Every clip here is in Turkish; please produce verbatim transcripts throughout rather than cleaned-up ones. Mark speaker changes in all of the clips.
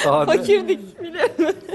Speaker 1: Sade.
Speaker 2: Fakirdik bile.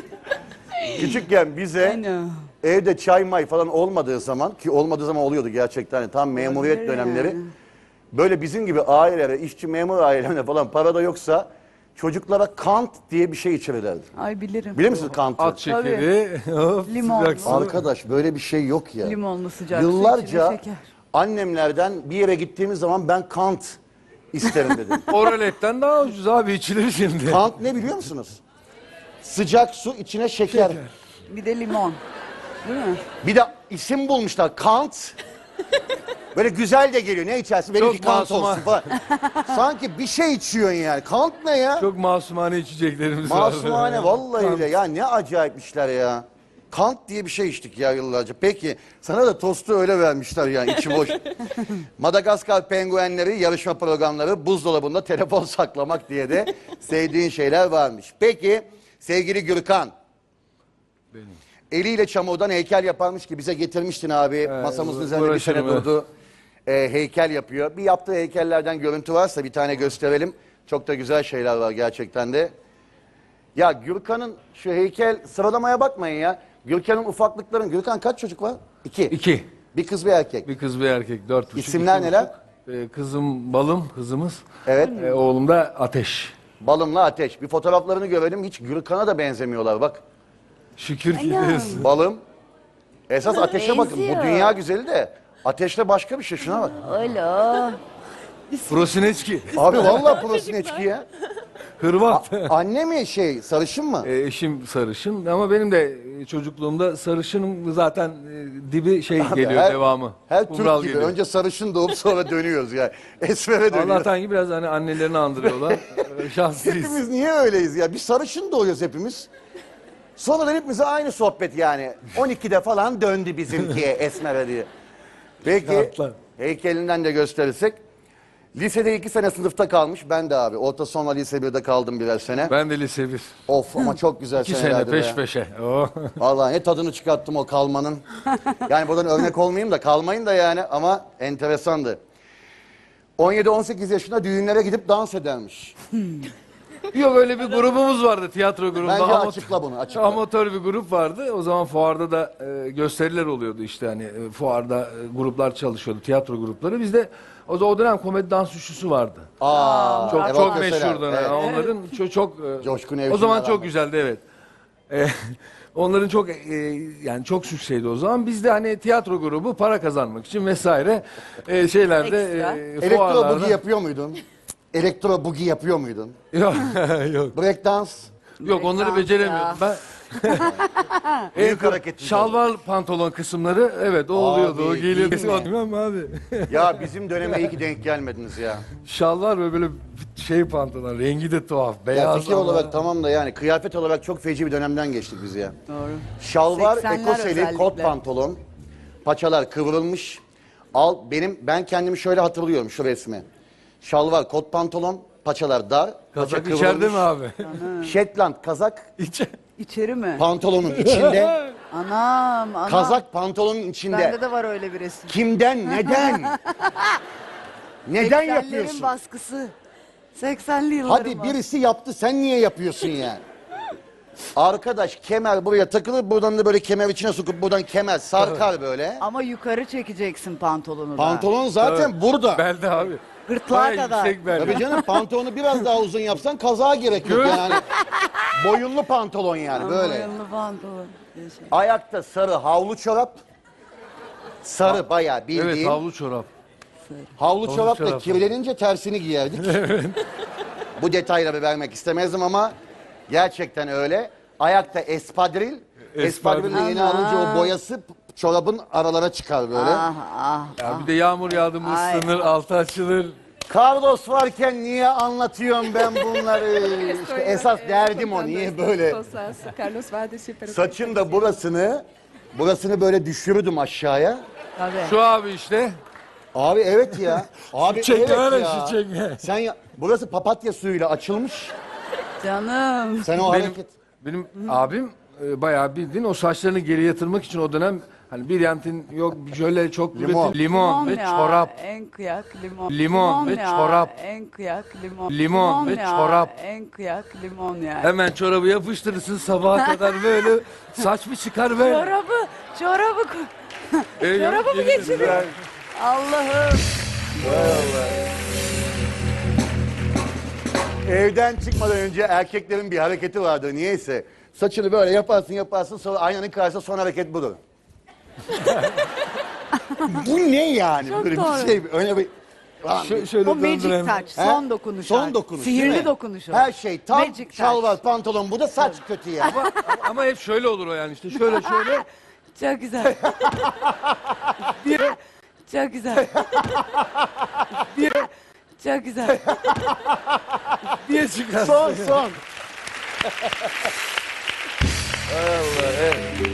Speaker 3: Küçükken bize
Speaker 2: Aynen.
Speaker 3: evde çay may falan olmadığı zaman, ki olmadığı zaman oluyordu gerçekten, hani tam memuriyet
Speaker 2: Olabilir
Speaker 3: dönemleri.
Speaker 2: yani.
Speaker 3: Böyle bizim gibi ailelere, işçi memur ailelerine falan para da yoksa çocuklara kant diye bir şey içirirlerdi.
Speaker 2: Ay bilirim.
Speaker 3: Bilir misiniz kantı?
Speaker 1: At şekeri. Hop,
Speaker 2: Limonlu.
Speaker 1: sıcak su.
Speaker 3: Arkadaş böyle bir şey yok ya.
Speaker 2: Limonlu sıcak su,
Speaker 3: Yıllarca
Speaker 2: içine şeker.
Speaker 3: annemlerden bir yere gittiğimiz zaman ben kant isterim dedim.
Speaker 1: Oraletten daha ucuz abi, içilir şimdi.
Speaker 3: Kant ne biliyor musunuz? Sıcak su içine şeker.
Speaker 2: Bir de limon. Değil mi?
Speaker 3: Bir de isim bulmuşlar Kant. Böyle güzel de geliyor. Ne içersin? Benimki
Speaker 1: Çok
Speaker 3: Kant
Speaker 1: masuma.
Speaker 3: olsun falan. Sanki bir şey içiyorsun yani. Kant ne ya?
Speaker 1: Çok masumane içeceklerimiz var.
Speaker 3: Masumane vallahi öyle. Ya ne acayip işler ya. Kant diye bir şey içtik ya yıllarca. Peki sana da tostu öyle vermişler yani içi boş. Madagaskar penguenleri yarışma programları, buzdolabında telefon saklamak diye de sevdiğin şeyler varmış. Peki sevgili Gürkan.
Speaker 1: Benim.
Speaker 3: Eliyle çamurdan heykel yaparmış ki bize getirmiştin abi. Masamızın üzerinde bir sene
Speaker 1: uğraşırım, evet.
Speaker 3: durdu. Ee, heykel yapıyor. Bir yaptığı heykellerden görüntü varsa bir tane gösterelim. Çok da güzel şeyler var gerçekten de. Ya Gürkan'ın şu heykel sıralamaya bakmayın ya. Gürkan'ın ufaklıkların. Gürkan kaç çocuk var? İki.
Speaker 1: İki.
Speaker 3: Bir kız bir erkek.
Speaker 1: Bir kız bir erkek. Dört buçuk.
Speaker 3: İsimler
Speaker 1: iki
Speaker 3: neler?
Speaker 1: buçuk. Ee, kızım Balım, kızımız.
Speaker 3: Evet.
Speaker 1: Ee, oğlum da Ateş.
Speaker 3: Balımla Ateş. Bir fotoğraflarını görelim. Hiç Gürkan'a da benzemiyorlar bak.
Speaker 1: Şükür ki
Speaker 2: Aynen.
Speaker 1: diyorsun.
Speaker 3: Balım. Esas Ateş'e bakın. Bu
Speaker 2: Benziyor.
Speaker 3: dünya güzeli de. Ateş'le başka bir şey. Şuna bak.
Speaker 2: Öyle.
Speaker 1: Prosineçki.
Speaker 3: Abi vallahi Prosineçki ya.
Speaker 1: Hırvat.
Speaker 3: Anne mi şey sarışın mı?
Speaker 1: Ee, eşim sarışın ama benim de e, çocukluğumda sarışınım zaten e, dibi şey geliyor
Speaker 3: her-
Speaker 1: devamı.
Speaker 3: Her
Speaker 1: Kumral
Speaker 3: Türk gibi.
Speaker 1: geliyor.
Speaker 3: Önce sarışın doğup sonra dönüyoruz yani. Esmer'e dönüyoruz.
Speaker 1: Allah'tan ki biraz hani annelerini andırıyorlar. Ee, Şanslıyız.
Speaker 3: Hepimiz niye öyleyiz ya? Bir sarışın doğuyoruz hepimiz. Sonra hepimize aynı sohbet yani. on ikide falan döndü bizimki Esmer'e diye. Peki
Speaker 1: Şartlar.
Speaker 3: heykelinden de gösterirsek. Lisede iki sene sınıfta kalmış. Ben de abi. Orta sonra lise birde kaldım birer sene.
Speaker 1: Ben de lise bir.
Speaker 3: Of ama çok güzel
Speaker 1: İki sene
Speaker 3: senelerdi
Speaker 1: peş
Speaker 3: be.
Speaker 1: peşe. Oh.
Speaker 3: Vallahi ne tadını çıkarttım o kalmanın. Yani buradan örnek olmayayım da kalmayın da yani ama enteresandı. on yedi on sekiz yaşında düğünlere gidip dans edermiş.
Speaker 1: Yok öyle bir grubumuz vardı, tiyatro grubu.
Speaker 3: Bence
Speaker 1: Amat-
Speaker 3: açıkla bunu, açıkla.
Speaker 1: Amatör bir grup vardı. O zaman fuarda da e, gösteriler oluyordu işte hani e, fuarda e, gruplar çalışıyordu, tiyatro grupları. Bizde o, o dönem komedi dans üçlüsü vardı.
Speaker 3: Aa,
Speaker 1: Çok
Speaker 3: Erol
Speaker 1: çok
Speaker 3: Köseler,
Speaker 1: meşhurdu.
Speaker 3: evet.
Speaker 1: yani. Onların çok çok e,
Speaker 3: Coşkun
Speaker 1: o
Speaker 3: Evcim'le
Speaker 1: zaman çok
Speaker 3: beraber.
Speaker 1: güzeldi evet. E, onların çok e, yani çok sükseydi o zaman. Biz de hani tiyatro grubu para kazanmak için vesaire e, şeylerde
Speaker 2: Ekstra.
Speaker 1: e,
Speaker 3: Elektro
Speaker 1: fuarlarda.
Speaker 3: bugi yapıyor muydun? Elektro bugi yapıyor muydun?
Speaker 1: Yok yok.
Speaker 3: Break dans.
Speaker 1: Yok onları
Speaker 2: Breakdance
Speaker 1: beceremiyordum ben.
Speaker 3: Büyük hareket.
Speaker 1: Şalvar pantolon kısımları evet o oluyordu o
Speaker 3: Abi,
Speaker 1: geliyordu.
Speaker 3: değil mi?
Speaker 1: Bilmem abi.
Speaker 3: Ya bizim döneme iyi ki denk gelmediniz ya.
Speaker 1: Şalvar ve böyle şey pantolon rengi de tuhaf
Speaker 3: Ya
Speaker 1: beyaz
Speaker 3: fikir
Speaker 1: ama-
Speaker 3: olarak tamam da yani kıyafet olarak çok feci bir dönemden geçtik biz ya.
Speaker 2: Doğru.
Speaker 3: Şalvar,
Speaker 2: seksenler
Speaker 3: ekoseli,
Speaker 2: özellikle.
Speaker 3: kot pantolon, paçalar kıvrılmış. Al benim ben kendimi şöyle hatırlıyorum şu resmi. Şalvar, kot pantolon, paçalar dar, paça
Speaker 1: Kazak içeride mi abi?
Speaker 3: Shetland kazak
Speaker 1: İçe.
Speaker 2: İçeri mi?
Speaker 3: pantolonun içinde,
Speaker 2: Anam, anam.
Speaker 3: kazak pantolonun içinde.
Speaker 2: Bende de var öyle bir resim.
Speaker 3: Kimden, neden? Neden
Speaker 2: seksenlerin
Speaker 3: yapıyorsun?
Speaker 2: baskısı. seksenli yılların
Speaker 3: Hadi
Speaker 2: baskısı.
Speaker 3: birisi yaptı, sen niye yapıyorsun yani? Arkadaş kemer buraya takılır, buradan da böyle kemer içine sokup buradan kemer sarkar böyle.
Speaker 2: Ama yukarı çekeceksin pantolonu da.
Speaker 3: Pantolon zaten burada.
Speaker 1: Belde abi.
Speaker 2: Gırtlağa
Speaker 1: Bayağı
Speaker 2: kadar.
Speaker 1: yüksek belde.
Speaker 3: Tabii canım pantolonu biraz daha uzun yapsan kazağa gerek yok yani. Boyunlu pantolon yani böyle.
Speaker 2: Boyunlu pantolon. Şey.
Speaker 3: Ayakta sarı havlu çorap. Sarı bayağı bildiğin.
Speaker 1: Evet havlu çorap.
Speaker 3: Havlu çorap da
Speaker 1: çorap.
Speaker 3: kirlenince tersini giyerdik. Bu detayları vermek istemezdim ama gerçekten öyle. Ayakta espadril. Espadril'i yeni
Speaker 2: Ana.
Speaker 3: alınca o boyası çorabın aralara çıkar böyle.
Speaker 2: Ah ah.
Speaker 1: Ya bir de yağmur yağdı mı
Speaker 2: Ay.
Speaker 1: ıslanır altı açılır.
Speaker 3: Carlos varken niye anlatıyorum ben bunları? İşte esas derdim o. Niye böyle?
Speaker 4: Carlos Vades super.
Speaker 3: Saçın da burasını, burasını böyle düşürürdüm aşağıya.
Speaker 2: Tabii.
Speaker 1: Şu abi işte.
Speaker 3: Abi evet ya. Abi
Speaker 1: çekme
Speaker 3: evet
Speaker 1: öyle,
Speaker 3: ya.
Speaker 1: şu çekme.
Speaker 3: Sen ya, burası papatya suyuyla açılmış.
Speaker 2: Canım.
Speaker 3: Sen o
Speaker 1: Benim,
Speaker 3: hareket.
Speaker 1: benim abim e, bayağı bildiğin o saçlarını geri yatırmak için o dönem Hani bir yantin yok jöle çok
Speaker 3: Limon.
Speaker 1: limon, limon ve
Speaker 2: ya,
Speaker 1: çorap.
Speaker 2: En kıyak limon.
Speaker 1: Limon ve
Speaker 2: ya,
Speaker 1: çorap.
Speaker 2: En kıyak limon.
Speaker 1: Limon ve
Speaker 2: ya,
Speaker 1: çorap.
Speaker 2: En kıyak limon ya.
Speaker 1: Hemen çorabı yapıştırırsın sabaha kadar böyle saç mı çıkar böyle.
Speaker 2: Çorabı, çorabı, ko-
Speaker 1: Ee,
Speaker 2: çorabı mı
Speaker 1: yemin
Speaker 2: geçiriyor?
Speaker 1: ederim.
Speaker 2: Allah'ım.
Speaker 3: Evden çıkmadan önce erkeklerin bir hareketi vardır niyeyse. Saçını böyle yaparsın yaparsın sonra aynanın karşısında son hareket budur. Bu ne yani?
Speaker 2: Çok
Speaker 3: böyle
Speaker 2: doğru.
Speaker 3: bir şey öyle bir... Lan,
Speaker 1: Şö- şöyle
Speaker 2: O magic
Speaker 1: döndürelim.
Speaker 2: touch,
Speaker 3: He?
Speaker 2: son dokunuş.
Speaker 3: Son
Speaker 2: artık.
Speaker 3: dokunuş değil
Speaker 2: Sihirli
Speaker 3: mi?
Speaker 2: dokunuş o.
Speaker 3: Her şey tam
Speaker 2: Magic
Speaker 3: şalvar
Speaker 2: touch.
Speaker 3: pantolon bu da saç kötü ya.
Speaker 1: Ama, ama hep şöyle olur o yani işte şöyle şöyle.
Speaker 2: Çok güzel. Çok güzel. Çok güzel.
Speaker 1: diye çıkar.
Speaker 3: son son.
Speaker 1: Hay Allah, evet.